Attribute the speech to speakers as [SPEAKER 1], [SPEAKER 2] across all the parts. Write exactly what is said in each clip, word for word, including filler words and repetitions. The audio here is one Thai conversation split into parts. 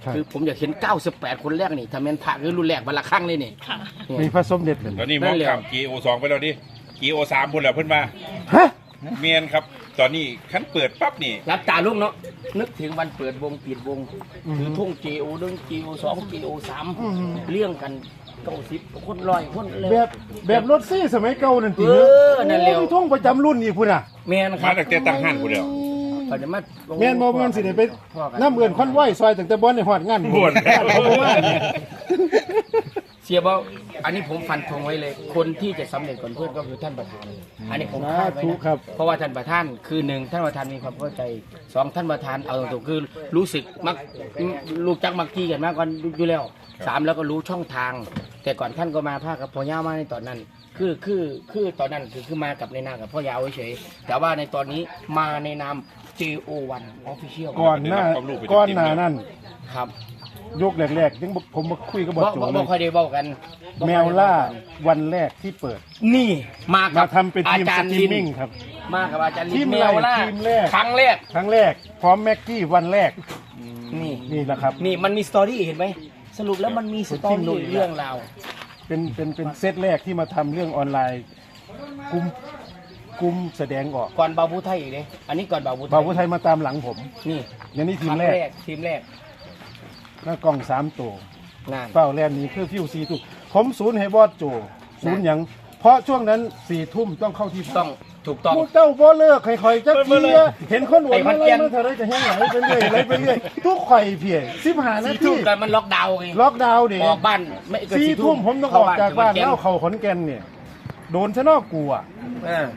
[SPEAKER 1] คือผมอยากเห็นเก้าสิบแปดคนแรกนี่ทำเป็นพระคือรุ่นแรกบรรลักครั้งเลยนี่
[SPEAKER 2] มีพระสมเด็จเลย
[SPEAKER 3] ตอนนี้มองข้าม จี โอ สองไปแล้วดิ จี โอ สามพุ่นแล้วเพิ่นมา
[SPEAKER 2] ฮะ
[SPEAKER 3] เมียนครับ ตอนนี้ขั้นเปิดปั๊บนี่
[SPEAKER 1] รับตาลูกเนาะนึกถึงวันเปิดวงปิดวงถือทุ่ง จี โอ หนึ่ง จี โอ สอง จี โอ สามเลี้ยงกันเก้าสิบคนร้อยคนเลย
[SPEAKER 2] แบบแบบรถซี่สมัยเก่านั่นติ
[SPEAKER 1] เออนั่นแหละ
[SPEAKER 2] โอ้ยท่องประจำรุ่นอีกพุ่นอ่ะ
[SPEAKER 1] แม่นค
[SPEAKER 3] มา
[SPEAKER 1] รับ
[SPEAKER 3] ตั้งแต่ตั้งห้านพุ่นแล้ว
[SPEAKER 1] ก่อนจะมา
[SPEAKER 2] แม่นบ่แม่นสิได้ไปน้ำเอื่นคอนไหวซอยตั้งแต่บ่ได้ฮอดงาน
[SPEAKER 3] บ่วน
[SPEAKER 2] เขาบ่มาเนี่ย
[SPEAKER 1] เสียบ่อันนี้ผมฟันธงไว้เลย คนที่จะสำเร็จก่อนเพื่อนก็คือท่านประธาน อันนี้ผมคาดไว้
[SPEAKER 2] ถูก
[SPEAKER 1] นะครับ เพราะว่าท่านประธานคือหนึ่งท่านประธานมีความเข้าใจสองท่านประธานเอาตรงๆคือรู้สึกมักรู้จักมักกี้กันมากกว่าอยู่แล้วสามแล้วก็รู้ช่องทาง แต่ก่อนท่านก็มาภาคกับพ่อยาวมาในตอนนั้น คือคือคือตอนนั้นคือคือมากับในนามกับพ่อยาวเฉยๆแต่ว่าในตอนนี้มาในนาม จี โอ วัน Official
[SPEAKER 2] ก่อนหน้าก่อนหน้านั้น
[SPEAKER 1] ครับ
[SPEAKER 2] ยกแรกๆยังบ่ผมมาคุยกับบ
[SPEAKER 1] บ่
[SPEAKER 2] อสโจ
[SPEAKER 1] บ่
[SPEAKER 2] เล
[SPEAKER 1] บ่
[SPEAKER 2] ย
[SPEAKER 1] ค่อยได้เว้ากันบ่ค่อย
[SPEAKER 2] แม
[SPEAKER 1] ได้
[SPEAKER 2] ว
[SPEAKER 1] เว้
[SPEAKER 2] ล่า
[SPEAKER 1] กัน
[SPEAKER 2] วันแรกที่เปิด
[SPEAKER 1] นี่มากั
[SPEAKER 2] มา
[SPEAKER 1] บ
[SPEAKER 2] ทำเป็น
[SPEAKER 1] อา
[SPEAKER 2] ทีม
[SPEAKER 1] จา
[SPEAKER 2] ส
[SPEAKER 1] รย์
[SPEAKER 2] ตรี
[SPEAKER 1] ลิ
[SPEAKER 2] ม
[SPEAKER 1] น
[SPEAKER 2] มิ่งครับ
[SPEAKER 1] มากับอาจารย์ลิ
[SPEAKER 2] ที
[SPEAKER 1] น
[SPEAKER 2] ม
[SPEAKER 1] แม
[SPEAKER 2] แรก
[SPEAKER 1] วล่า
[SPEAKER 2] ทีมแรก
[SPEAKER 1] ครั้งแรก
[SPEAKER 2] ครั้งแรก พร้อมแม็กกี้วันแรก
[SPEAKER 1] นี่
[SPEAKER 2] นี่แหละครับ
[SPEAKER 1] นี่มันมีสตอรี่เห็นไหมสรุปแล้วมันมีสตอ
[SPEAKER 2] ผมทิ้งดู
[SPEAKER 1] รี่
[SPEAKER 2] อีกแล้ว
[SPEAKER 1] เรื่องราว
[SPEAKER 2] เป็นเป็นเป็นเซตแรกที่มาทำเรื่องออนไลน์กลุ่มกลุ่มแสดงออก
[SPEAKER 1] ก่อนบาบูไทยอีกเลยอันนี้ก่อนบาบูไทย
[SPEAKER 2] บ่าวผู้ไทยมาตามหลังผม
[SPEAKER 1] นี่
[SPEAKER 2] อย่างนี้ที
[SPEAKER 1] ค
[SPEAKER 2] ม
[SPEAKER 1] รั้ง
[SPEAKER 2] แร
[SPEAKER 1] แร
[SPEAKER 2] ก
[SPEAKER 1] กทีมแรก
[SPEAKER 2] หน้ากล้องสามตัว
[SPEAKER 1] นั่น
[SPEAKER 2] เป้าแลนนี้คือฟิวซีตุกผมศูนย์ให้บอสโจศูนย์หยังเพราะช่วงนั้นสี่ทุ่มต้องเข้าที่พัก
[SPEAKER 1] ต้องถูกต้อง
[SPEAKER 2] พวกเจ้าบ่เลิกค่อยๆจัก
[SPEAKER 1] บ่
[SPEAKER 2] ที
[SPEAKER 1] เลิก
[SPEAKER 2] เห็นคนอวด
[SPEAKER 1] ไอ้พั
[SPEAKER 2] มาน เล
[SPEAKER 1] แก่
[SPEAKER 2] ย
[SPEAKER 1] น
[SPEAKER 2] มาเท่าไรจะแห้งไหลไปเรื่อยไหลไปเรื่อยทุกข่อยเพียสิบห้านา
[SPEAKER 1] สี่
[SPEAKER 2] ที
[SPEAKER 1] ทุ่มกันมันล็อกดาวน์ไง
[SPEAKER 2] ล็อกดาวน์ดิ
[SPEAKER 1] ออกบ้านไม่เกิน
[SPEAKER 2] สี่ทุ่มผมต้องออกจากบ้าน
[SPEAKER 1] เข้
[SPEAKER 2] แล้วเขาขอนแก่นเนี่ยโดนชะนอกกูอ่ะ
[SPEAKER 1] เออก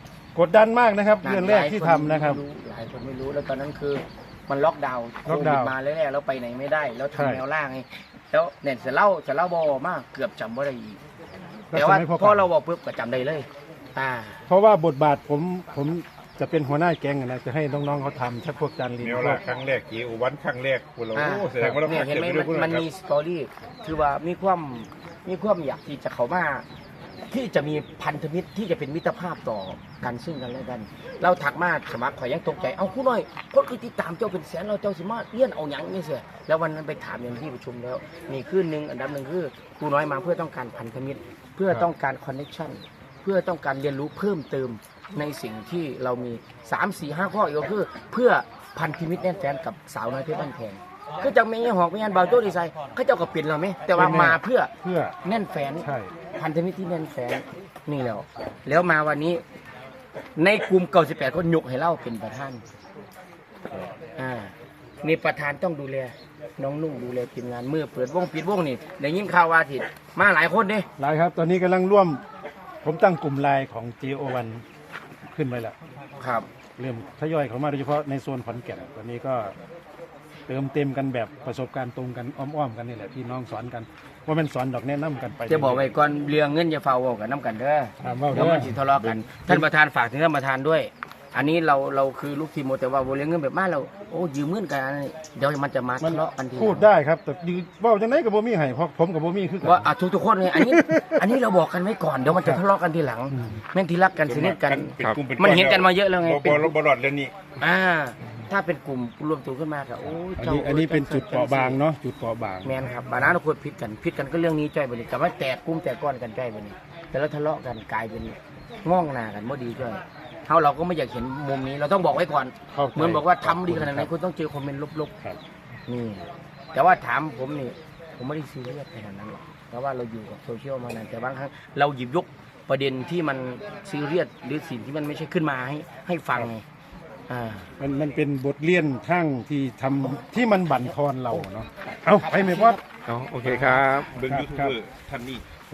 [SPEAKER 2] ดดันมากนะครับเรื่องแรกที่ทำนะครับ
[SPEAKER 1] หลายคนไม่รู้แล้วตอนนั้นคือมันล็อกดาวน์โค
[SPEAKER 2] ล็อก
[SPEAKER 1] วิ
[SPEAKER 2] ดา
[SPEAKER 1] ด
[SPEAKER 2] วน์
[SPEAKER 1] มาแรกๆแล้วไปไหนไม่ได้แล้ว
[SPEAKER 2] ใช่
[SPEAKER 1] ทำแนวล่างไงแล้วเนี่ยจะเล่าจะเล่าบอมากเกือบจำว่าได้อีก
[SPEAKER 2] แล้ว
[SPEAKER 1] แต่ว่า
[SPEAKER 2] สมัยพ่อ
[SPEAKER 1] พอเราบอกปุ๊บก็จำได้เลย อ่า
[SPEAKER 2] เพราะว่าบทบาทผมผมจะเป็นหัวหน้าแก๊งนะจะให้น้องๆเขาทำชักพวกจานลิน
[SPEAKER 3] เมียว
[SPEAKER 2] พว
[SPEAKER 3] ลาก ครั้งแรก จี โอ วันครั้งแรกพุ่นแล้ว
[SPEAKER 1] อ่า
[SPEAKER 3] โอ้แสดงว่าเรา
[SPEAKER 1] เนี่ย
[SPEAKER 3] ผ่าน
[SPEAKER 1] เห็น
[SPEAKER 3] เก็บ
[SPEAKER 1] ไหม
[SPEAKER 3] ไปด้วย
[SPEAKER 1] มัน
[SPEAKER 3] พุ่น
[SPEAKER 1] มัน
[SPEAKER 3] นะค
[SPEAKER 1] มี
[SPEAKER 3] รับ
[SPEAKER 1] สตอรี่คือว่ามีความมีความอยากที่จะเขามาที่จะมีพันธมิตรที่จะเป็นมิตรภาพต่อกันซึ่งกันและกัน เราถักมาสมัครข่อยยังตกใจเอาคู่น้อยคนคือติดตามเจ้าเป็นแสนเราเจ้าสิมาเลี้ยนเอาหยังนี่เสียแล้ววันนั้นไปถามอย่างที่ประชุมแล้ว มีขึ้นหนึ่งอันดับหนึ่งคือครูน้อยมาเพื่อต้องการพันธมิตร เพื่อต้องการคอนเนคชั่นเพื่อต้องการเรียนรู้เพิ่มเติมในสิ่งที่เรามีสามสี่ห้าข้ออีกก็คือเพื่อพันธมิตรแน่นแฟนกับสาวน้อยเพชรบ้านแพงก็จะไม่ยังหอกไม่ยันเบาโจ้ดีไซน์เขาเจ้าก็เปลี่ยนเราไหมแต่ว่ามาเพื่อ
[SPEAKER 2] เพื่อ
[SPEAKER 1] แน่นแฟน
[SPEAKER 2] ใช่
[SPEAKER 1] พันธมิตรที่แน่นแฟนนี่แล้ว แล้วมาวันนี้ ในกลุ่มเก้าสิบแปดคนยกให้เล่าเป็นประธานอ่านี่ประธานต้องดูแลน้องนุ่งดูแลทีมงานเมื่อเปิดวงปิดวงนี่ได้ยินข่าวว่าทิดมาหลายคนเด้
[SPEAKER 2] หลายครับ ตอนนี้กำลังร่วม ผมตั้งกลุ่มไลน์ของ จี โอ วัน ขึ้นไปแล้ว
[SPEAKER 1] ครับ
[SPEAKER 2] เริ่มทยอยเข้ามาโดยเฉพาะในโซนขอนแก่นตอนนี้ก็เติมเต็มกันแบบประสบการณ์ตรงกันอ้อมๆกันนี่แหละพี่น้องสอนกันว่ามันสอนดอกแนะนำกันไป
[SPEAKER 1] จะบอกไว้ก่อนเรื่องเงินอย่าเฝ้าเว้ากันน้ำกันเด้อ
[SPEAKER 2] ถามว่า
[SPEAKER 1] เดี๋ยวมันสิทะเลาะกัน ท่านประธานฝากถึงท่านประธานด้วย อันนี้เราเราคือลูกทีมโมแต่ว่าโบเลี้ยงเงินแบบมาเราโอ้ยืมเงินกันเดี๋ยวมันจะมา
[SPEAKER 2] มัน
[SPEAKER 1] ทะเลาะกันทีหลัง
[SPEAKER 2] พูดได้ครับ แต่ยืเว่าจังไหนกับโบมี่ให้เพราะผมกับโบมี่คือกัน
[SPEAKER 1] ว่าอ่ะทุกทุกๆคนเลยอันนี้ อันนี้เราบอกกันไว้ก่อนเดี๋ยวมันจะทะเลาะกันทีหลัง แม่นที่รักกันสนิทกัน
[SPEAKER 3] เป็นกลุ่ป็
[SPEAKER 1] มันเห็นกันมาเยอะแล้วไง
[SPEAKER 3] บ่
[SPEAKER 1] เป็น
[SPEAKER 3] บ่บ่รอดเรื่องนี้
[SPEAKER 1] อ่า ถ้าเป็นกลุ่มรวมตัวขึ้นมาก็โอ้ย
[SPEAKER 2] อัน
[SPEAKER 1] เจ้า
[SPEAKER 2] นี้อันนี้เป็นจุดเปราะบางเนาะจุดเปราะบาง
[SPEAKER 1] แมนครับบานาเราควรพิดกันพิดกันก็เรื่องนี้จ้อยบันนี้กับว่าแตกกลุ่มแตกก้อนกันจ้อยบันนี้แต่แล้วทะเลาะกันกลายเป็นง่องหนากันไม่ดีจ้อยเขาเราก็ไม่อยากเห็นมุมนี้เราต้องบอกไว้ก่อน
[SPEAKER 2] เข้าใจ
[SPEAKER 1] เหมือนบอกว่าทำดีขนาดไหนคุณต้องเจอคอมเมนต์ลบ
[SPEAKER 2] ครับ
[SPEAKER 1] ๆนี่แต่ว่าถามผมนี่ผมไม่ได้ซีเรียสขนาดนั้นหรอกเพราะว่าเราอยู่กับโซเชียลมานานแต่บางครั้งเราหยิบยกประเด็นที่มันซีเรียสหรือสิ่งที่มันไม่ใช่ขึ้นมาให้ให้ฟังไงอ่า
[SPEAKER 2] มันมันเป็นบทเรียนทั้งที่ทำที่มันบั่นทอนเราเนาะเอาไปไหมบอส
[SPEAKER 4] อ๋อโอเคครับ
[SPEAKER 3] เบิ่ง
[SPEAKER 2] ครับ
[SPEAKER 3] ยูทูบ
[SPEAKER 2] ครับ
[SPEAKER 3] เบอร์ท่านนี้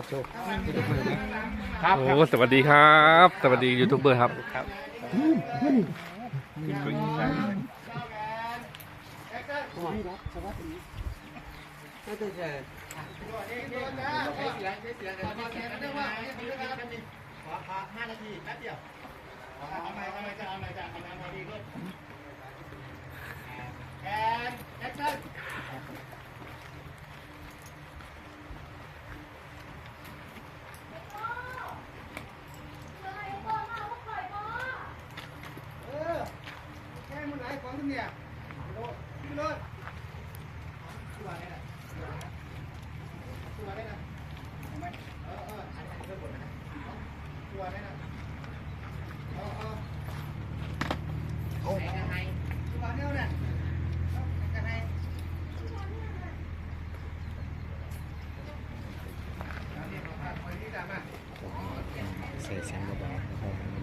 [SPEAKER 1] ครับ
[SPEAKER 4] โอ้สวัสดีครับ สวัสดียูทูบเบอร์ครับ
[SPEAKER 2] ค
[SPEAKER 5] ใส่เสียงเบาๆนะครับ